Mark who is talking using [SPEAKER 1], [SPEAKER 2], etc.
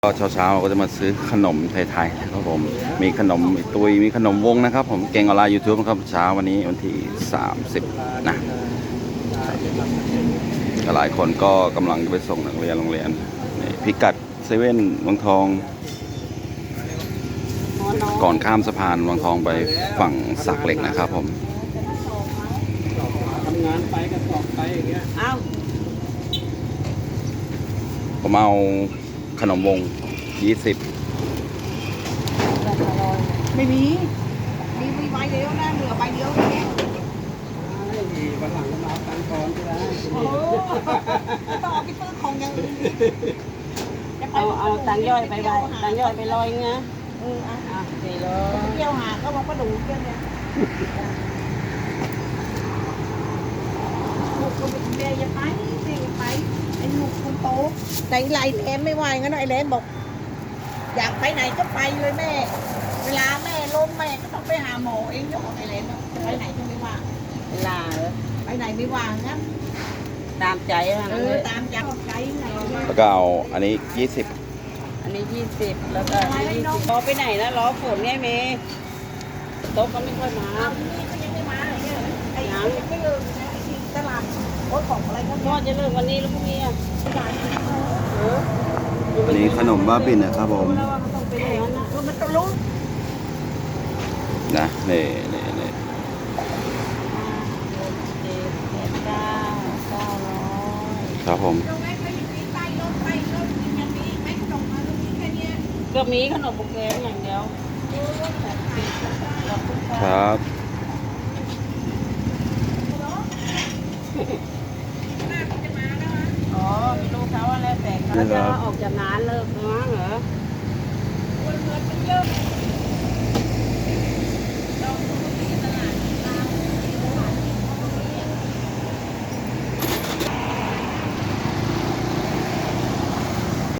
[SPEAKER 1] ก็เช้าๆเราก็จะมาซื้อขนมไทยๆนะครับผมมีขนมตุยมีขนมวงนะครับผมเก่งออนไลน์ YouTube นะครับเช้าวันนี้วันที่30นะหลายคนก็กำลังจะไปส่งนักเรียนโรงเรียนนี่พิกัดเซเว่นวังทองก่อนข้ามสะพานวังทองไปฝั่งสักเหล็กนะครับผม
[SPEAKER 2] ทำงานไปก็สอบไปอย่างเงี้ย
[SPEAKER 1] ผมเอาขนมวง20
[SPEAKER 3] ไม่มีใบเดียวนะเหลือใบเดียวแค่
[SPEAKER 2] ดีวันหลังก็มาเอาตังค์ก่อนก็ได้
[SPEAKER 3] โอ้ต้องเอาไปซื้อของอย่างอื่น
[SPEAKER 4] เอาตังย่อยไปตังย่อยไปลอยเงี้ย
[SPEAKER 3] อ่ะ
[SPEAKER 4] 400
[SPEAKER 3] เที่ยวหาก็บอกว่าดูเที่ยวเนี่ยลูกคนเดียวอย่าไปไอ้ลูกคนโตใจไหลแหลมไม่ไหวงั้นไอ้แหลมบอกอยากไปไหนก็ไปเลยแม่เวลาแม่ล้มแม่ก็ต้องไปหาหมอเองจะบอกไอ้แหลมไปไหนก็ไม่ว่าง
[SPEAKER 4] เวลา
[SPEAKER 3] ไปไหนไม่ว่างงั้น
[SPEAKER 4] ตามใจ
[SPEAKER 3] ตามใจไหน
[SPEAKER 1] แล้วก็เอาอันนี้20
[SPEAKER 4] อันนี้20แล้วก็อันนี้20รอไปไหนนะรอฝนไงเมย์โต๊ะก็ไม่ค่อยมา
[SPEAKER 3] ที่นี่ก็ยังไม่มาเนี่ยไอ้ยังไม่เลิกนะไอ้ที่ตลาดรถของอะไรก็
[SPEAKER 4] ก็จะเลิกวันนี้แล้วพรุ่งนี้อ่ะ
[SPEAKER 1] อันนี้ขนมบ้าบินนะครับผม
[SPEAKER 4] แล้วว่าเขาต้องไปอย่างนั้นนะ
[SPEAKER 3] มันต้องรู้
[SPEAKER 1] นะนี่ครับผม
[SPEAKER 4] ก็มีขนมบุกแกงอย่างเดียว
[SPEAKER 1] ครับ
[SPEAKER 4] อ๋อไม่รู้เขาว่าแล้วแต่เขาจะออกจากงานเลิกมั้ง